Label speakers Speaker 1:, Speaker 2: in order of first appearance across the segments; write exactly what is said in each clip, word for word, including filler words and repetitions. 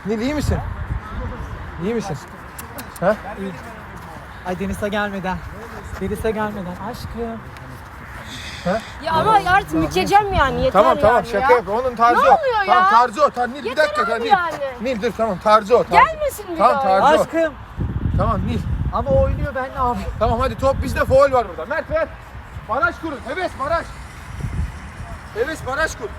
Speaker 1: Nil iyi misin? İyi misin? Ha?
Speaker 2: İyi. Ay Deniz'e gelmeden. Deniz'e gelmeden aşkım.
Speaker 3: Ya ama artık mükeceğim yani yeter
Speaker 1: Tamam tamam
Speaker 3: yani
Speaker 1: şaka
Speaker 3: ya.
Speaker 1: yap. Onun tarzı
Speaker 3: Ne
Speaker 1: o.
Speaker 3: oluyor
Speaker 1: Tamam
Speaker 3: ya?
Speaker 1: tarzı o. Tamam Nil bir
Speaker 3: Yeter
Speaker 1: dakika.
Speaker 3: abi
Speaker 1: Tamam, Nil.
Speaker 3: yani.
Speaker 1: Nil dur tamam tarzı o. Tarzı.
Speaker 3: Gelmesin bir
Speaker 1: Tamam
Speaker 3: daha.
Speaker 1: tarzı o.
Speaker 2: Aşkım.
Speaker 1: Tamam Nil.
Speaker 2: Ama oynuyor ben ne yapayım?
Speaker 1: Tamam hadi top bizde, faul var burada. Mert ver. Baraj kurun. Heves baraj. Heves baraj kur.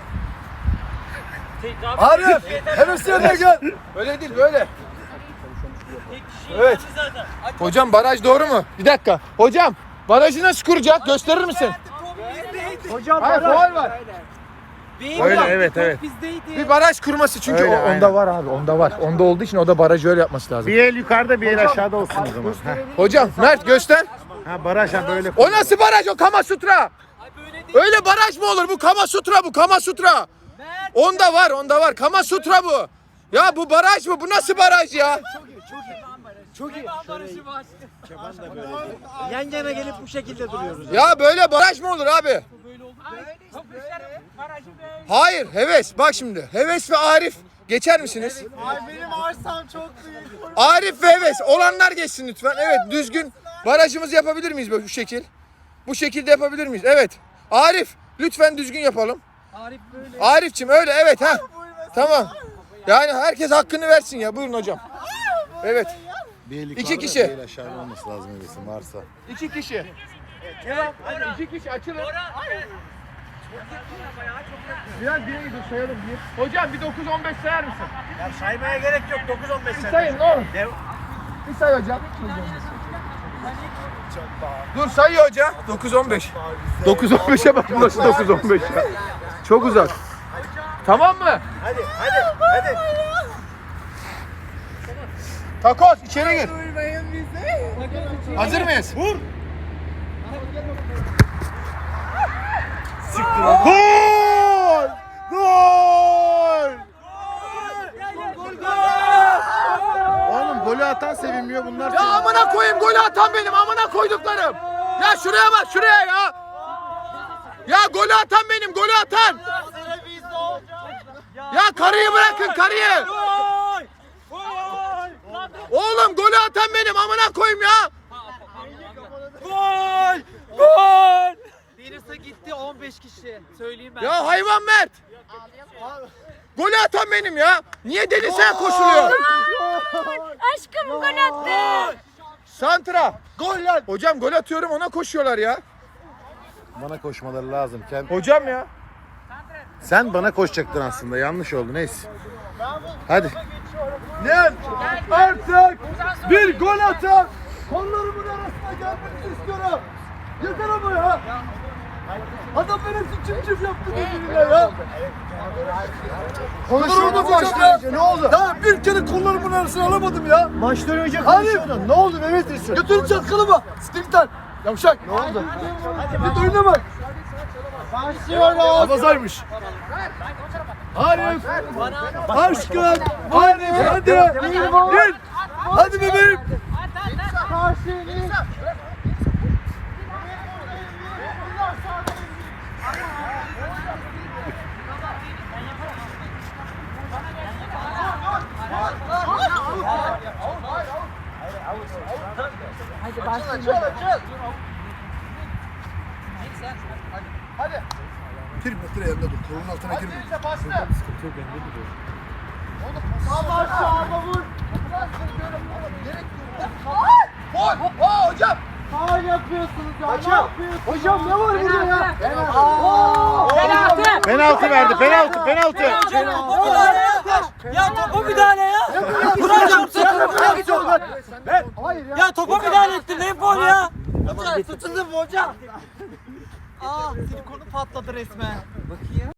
Speaker 4: Arif, Heves yerine gel.
Speaker 1: Öyle değil böyle. Evet. Hocam baraj doğru mu? Bir dakika. Hocam barajı nasıl kuracak? Gösterir misin?
Speaker 2: Hocam
Speaker 1: Hayır faul var.
Speaker 4: Öyle, evet, evet.
Speaker 2: Bizdeydi.
Speaker 1: Bir baraj kurması çünkü
Speaker 4: Öyle,
Speaker 1: o- onda
Speaker 4: aynen.
Speaker 1: var abi. Onda var. Onda olduğu için o da barajı öyle yapması lazım.
Speaker 4: Bir el yukarıda bir el aşağıda olsun o zaman. Ha,
Speaker 1: Hocam Mert göster.
Speaker 4: ha baraj ha böyle.
Speaker 1: O nasıl baraj? O Kama Sutra. Öyle baraj mı olur? Bu Kama Sutra bu. Kama Sutra. Onda var, onda var. Kama Sutra bu. Ya bu baraj mı? Bu nasıl baraj ya?
Speaker 2: Çok iyi. Yan yana gelip bu şekilde duruyoruz.
Speaker 1: Ya böyle baraj mı olur abi? Hayır, Heves. Bak şimdi. Heves ve Arif geçer misiniz?
Speaker 2: Ay benim arsam çok büyük.
Speaker 1: Arif ve Heves. Olanlar geçsin lütfen. Evet, düzgün barajımızı yapabilir miyiz böyle bu şekil? Bu şekilde yapabilir miyiz? Evet. Arif, lütfen düzgün yapalım.
Speaker 2: Arif böyle.
Speaker 1: Arifçim öyle evet ha. Tamam. Yani herkes hakkını versin ya. Buyurun hocam. Evet.
Speaker 4: Bir el
Speaker 1: İki
Speaker 4: yukarıda,
Speaker 1: kişi.
Speaker 4: Bir el aşağıda olması lazım Heves'in varsa.
Speaker 1: İki kişi. Hadi iki kişi açılın. Biraz geri dur sayalım bir. Hocam bir dokuz on beş sayar mısın?
Speaker 2: Ya saymaya gerek yok dokuz on beş
Speaker 1: Bir sayın ne olur. Bir say hocam. Dur sayıyor hoca. dokuz on beş. dokuz on beşe bak nasıl dokuz on beş ya. Çok uzak. Tamam mı?
Speaker 2: Hadi hadi hadi.
Speaker 1: Takoz içeri gir. Hazır mıyız? Vur.
Speaker 4: Gol! Gol! Oğlum golü atan sevinmiyor bunlar.
Speaker 1: Ya amına koyayım golü atan benim amına koyduklarım. Ya şuraya bak şuraya ya. Ya golü atan benim golü atan. Ya karıyı bırakın karıyı. Oğlum golü atan benim amına koyayım ya.
Speaker 2: Gol! Gol! Deniz'e gitti on beş kişi. Söyleyeyim ben.
Speaker 1: Ya hayvan Mert. Golü atan benim ya. Niye Deniz'e koşuluyor?
Speaker 3: Aşkım gol attı.
Speaker 1: Santra. Gol lan. Hocam gol atıyorum ona koşuyorlar ya.
Speaker 4: Bana koşmaları lazım. Kend-
Speaker 1: Hocam ya.
Speaker 4: Sen bana koşacaktın aslında. Yanlış oldu. Neyse. Hadi.
Speaker 1: Ne? Artık bir gol atan kollarımın arasına gelmesini istiyorum. Yeter ama ya. Adam benim için çim çim yaptı birbirine ya. Konuşuyordu başlayınca ne oldu? Ya bir kere kollarımın arasına alamadım ya.
Speaker 4: Maçtan önce
Speaker 1: konuşuyordun.
Speaker 4: Ne oldu Mehmet Resul?
Speaker 1: Götürün çatkılı mı? Stilten. Yavşak. Ne oldu? Git oyuna bak.
Speaker 2: Başlıyoruz.
Speaker 1: Abazaymış. Arif. Aşkım. Arif hadi. Gel. Hadi bebeğim.
Speaker 2: Hadi başlayalım.
Speaker 4: Bir metre yanında dur. Kolun altına girme.
Speaker 1: Gol. Aa hocam.
Speaker 2: Faul yapıyorsunuz ya.
Speaker 1: Hocam. Hocam ne var burada ya?
Speaker 2: Penaltı.
Speaker 4: Penaltı verdi. Penaltı. Penaltı.
Speaker 2: Ya topa müdahale ya. Hocam Ya topa müdahale ettin. Ne faul ya? Tutuldu mu hocam? Aa silikonu patladı resmen. Bakayım.